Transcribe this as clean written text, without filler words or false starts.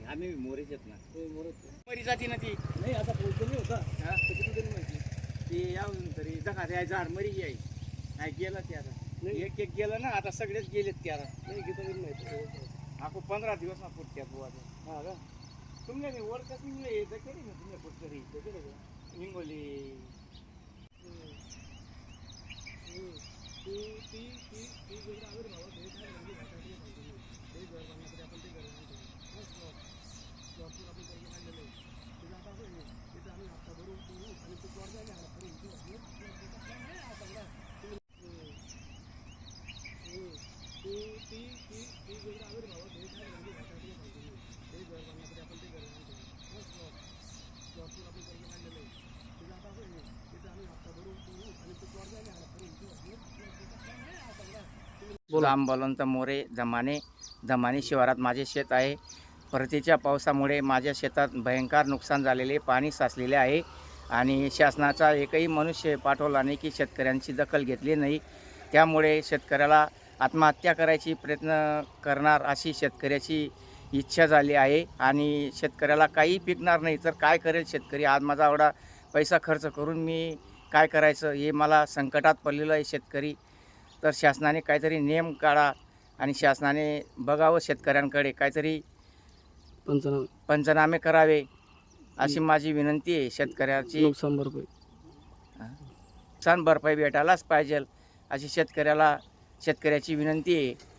आम्ही मोरेच आहेत ना. मरी जाती ना ती नाही आता पोहोचतो नाही होता हा? किती तरी माहिती ती यावून तरी दखा द्या झाड मरी याय नाही गेलं ते आता नाही. एक एक गेलं ना आता सगळेच गेलेत ते आता नाही किती तरी माहिती आपको 15 दिवस ना पुढच्या बुवा हा का तुमने मी वर कसं निघले दखेरी ना तुमने पुढच्या त्याच्याकडे का? हिंगोली ती ती ती ती जेवढं आविर्भावात हे काय म्हणजे घाटाची सांगतो मी. ते घर बांधण्यासाठी आपण ते घर बांधतो प्लॉटवर आपण कर्ज काढलेलं आहे तिथं आता असं आहे तिथं आम्ही हप्ता भरून करू आणि तो प्लॉट जायला आला तरी इथे नाही हा सगळा ती ती ती ती जेवढं आविर्भावात हे काय म्हणजे घाटाची सांगतो मी. ते घर बांधण्यासाठी आपण ते घर बांधतो प्लॉटवर आपण कर्ज काढलेलं आहे तिथं आता असं आहे तिथं आम्ही हप्ता भरून करू आणि तो प्लॉट जायला आला तरी इथे नाही हा सगळा राम बलवंत मोरे धमानी शिवारात माझे शेत आहे. परतीच्या पावसामुळे माझ्या शेतात भयंकर नुकसान झालेले पाणी साचलेले आहे आणि शासनाचा एकही मनुष्य पाठवला नाही की शेतकऱ्यांची दखल घेतली नाही. त्यामुळे शेतकऱ्याला आत्महत्या करायची प्रयत्न करणार अशी शेतकऱ्याची इच्छा झाली आहे आणि शेतकऱ्याला काही पिकणार नाही तर काय करेल शेतकरी. आज माझा एवढा पैसा खर्च करून मी काय करायचं हे मला संकटात पडलेलं आहे शेतकरी. तर शासनाने काहीतरी नियम काढा आणि शासनाने बघावं शेतकऱ्यांकडे काहीतरी पंचनामे करावे अशी माझी विनंती आहे. शेतकऱ्याची नुकसान भरपाई नुकसान भरपाई भेटायलाच पाहिजे अशी शेतकऱ्याची विनंती आहे.